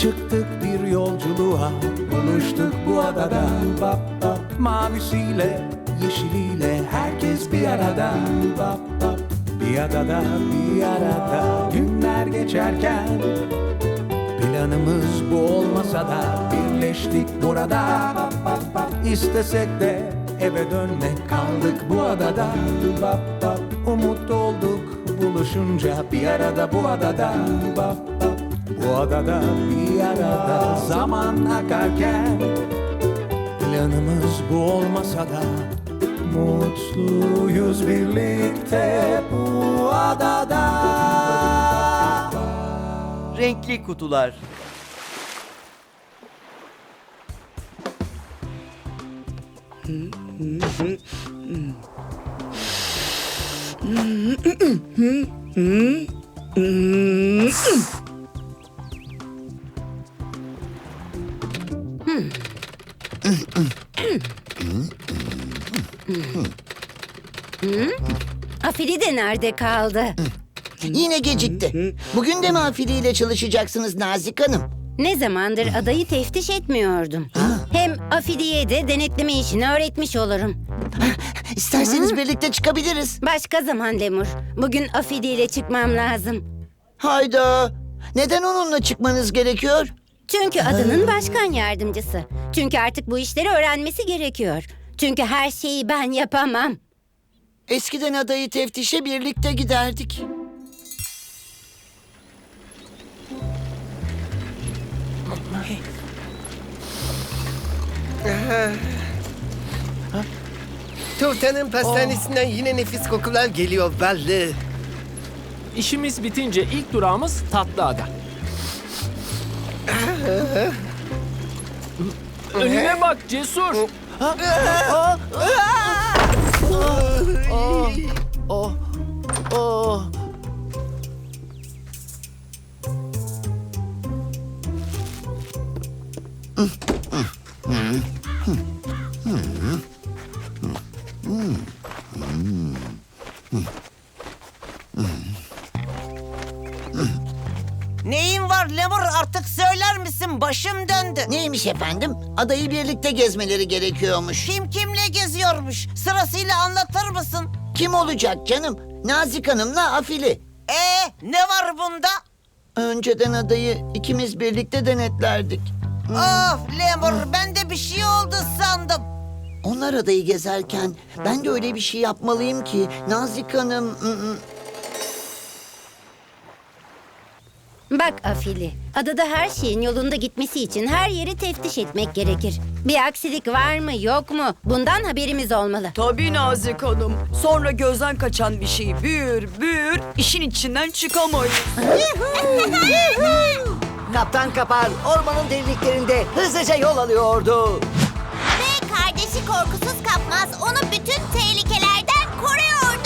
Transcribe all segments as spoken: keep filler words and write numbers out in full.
Çıktık bir yolculuğa, buluştuk bu adada. Bap bap, mavisiyle, yeşiliyle herkes bir arada. Bap bap, bir adada, bir arada. Günler geçerken planımız bu olmasa da birleştik burada. Bap bap bap, istesek de eve dönmek, kaldık bu adada. Bap bap, umut olduk buluşunca bir arada bu adada. Bap bap, bu adada bir arada. Zaman akarken planımız bu olmasa da mutluyuz birlikte bu adada. Renkli kutular. Afili de nerede kaldı? Yine gecikti. Bugün de mi afiliyle çalışacaksınız Nazik Hanım? Ne zamandır adayı teftiş etmiyordum. Hem Afili'ye de denetleme işini öğretmiş olurum. İsterseniz birlikte çıkabiliriz. Başka zaman Lemur. Bugün Afili ile çıkmam lazım. Hayda. Neden onunla çıkmanız gerekiyor? Çünkü adanın başkan yardımcısı. Çünkü artık bu işleri öğrenmesi gerekiyor. Çünkü her şeyi ben yapamam. Eskiden adayı teftişe birlikte giderdik. Turtanın pastanesinden yine nefis kokular geliyor belli. İşimiz bitince ilk durağımız Tatlıada. Önüne bak Cesur. Neyin var Lemur, artık söyler misin? Başım döndü. Neymiş efendim? Adayı birlikte gezmeleri gerekiyormuş. Kim kimle geziyormuş? Sırasıyla anlatır mısın? Kim olacak canım? Nazik Hanım'la Afili. Ee, ne var bunda? Önceden adayı ikimiz birlikte denetlerdik. Of Lemur, ben de bir şey oldu sandım. Onlar adayı gezerken ben de öyle bir şey yapmalıyım ki Nazik Hanım... ı-ı. Bak Afili, adada her şeyin yolunda gitmesi için her yeri teftiş etmek gerekir. Bir aksilik var mı yok mu? Bundan haberimiz olmalı. Tabii Nazik Hanım. Sonra gözden kaçan bir şey büyür büyür, işin içinden çıkamayız. Kaptan Kapar ormanın derinliklerinde hızlıca yol alıyordu. Ve kardeşi korkusuz kapmaz onu bütün tehlikelerden koruyordu.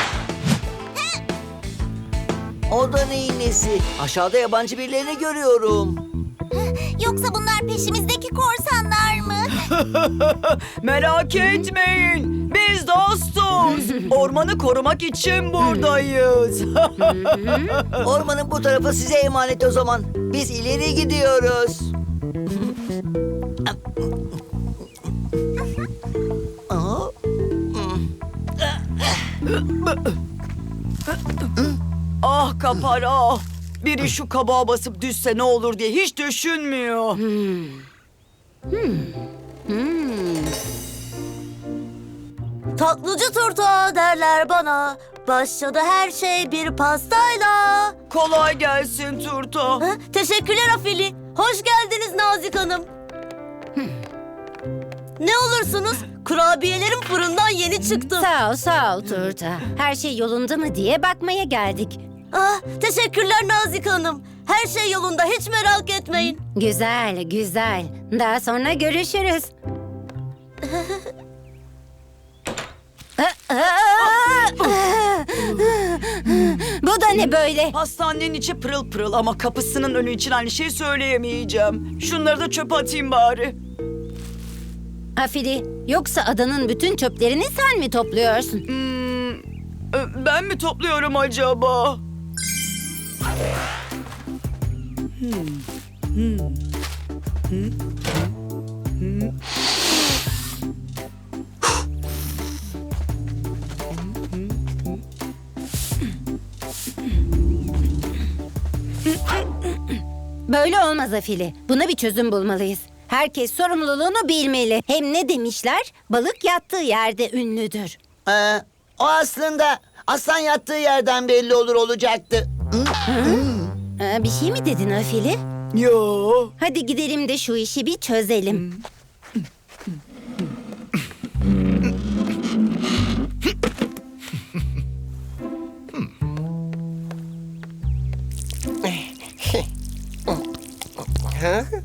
O da neyin nesi? Aşağıda yabancı birilerini görüyorum. Yoksa bunlar peşimizdeki korsanlar mı? Merak etmeyin. Biz dostuz. Ormanı korumak için buradayız. Ormanın bu tarafı size emanet o zaman. Biz ileri gidiyoruz. Ah Kapar ah. Biri şu kabağa basıp düşse ne olur diye hiç düşünmüyor. Tatlıcı turta derler bana. Başladı her şey bir pastayla. Kolay gelsin Turta. Ha, teşekkürler Afili. Hoş geldiniz Nazik Hanım. Ne olursunuz? Kurabiyelerim fırından yeni çıktı. Sağ ol, sağ ol Turta. Her şey yolunda mı diye bakmaya geldik. Ah, teşekkürler Nazik Hanım. Her şey yolunda, hiç merak etmeyin. Güzel, güzel. Daha sonra görüşürüz. Bu da ne böyle? Hastanenin içi pırıl pırıl ama kapısının önü için aynı şeyi söyleyemeyeceğim. Şunları da çöpe atayım bari. Afili, yoksa adanın bütün çöplerini sen mi topluyorsun? Hmm, e, ben mi topluyorum acaba? Hmm. Böyle olmaz Afili. Buna bir çözüm bulmalıyız. Herkes sorumluluğunu bilmeli. Hem ne demişler? Balık yattığı yerde ünlüdür. Ee, o aslında aslan yattığı yerden belli olur olacaktı. Ee, bir şey mi dedin Afili? Yo. Hadi gidelim de şu işi bir çözelim. Ha?